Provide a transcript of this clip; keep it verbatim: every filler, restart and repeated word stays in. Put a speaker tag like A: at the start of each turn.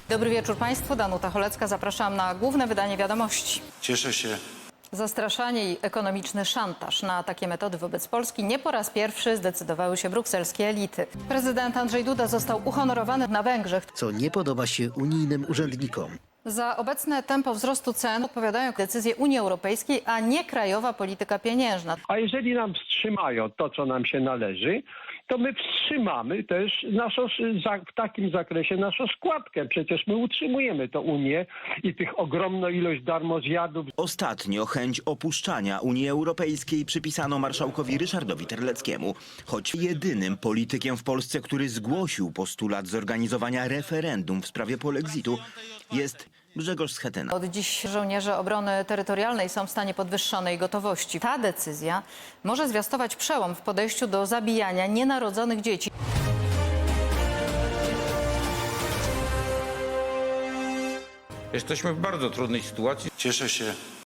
A: Dobry wieczór Państwu, Danuta Cholecka. Zapraszam na główne wydanie wiadomości.
B: Cieszę się.
A: Zastraszanie i ekonomiczny szantaż. Na takie metody wobec Polski nie po raz pierwszy zdecydowały się brukselskie elity. Prezydent Andrzej Duda został uhonorowany na Węgrzech.
C: Co nie podoba się unijnym urzędnikom.
A: Za obecne tempo wzrostu cen odpowiadają decyzje Unii Europejskiej, a nie krajowa polityka pieniężna.
D: A jeżeli nam wstrzymają to, co nam się należy, to my wstrzymamy też naszą, w takim zakresie naszą składkę. Przecież my utrzymujemy tę Unię i tych ogromną ilość darmozjadów.
E: Ostatnio chęć opuszczania Unii Europejskiej przypisano marszałkowi Ryszardowi Terleckiemu. Choć jedynym politykiem w Polsce, który zgłosił postulat zorganizowania referendum w sprawie polexitu, jest Grzegorz Schetyna.
A: Od dziś żołnierze obrony terytorialnej są w stanie podwyższonej gotowości. Ta decyzja może zwiastować przełom w podejściu do zabijania nienarodzonych dzieci.
F: Jesteśmy w bardzo trudnej sytuacji.
B: Cieszę się.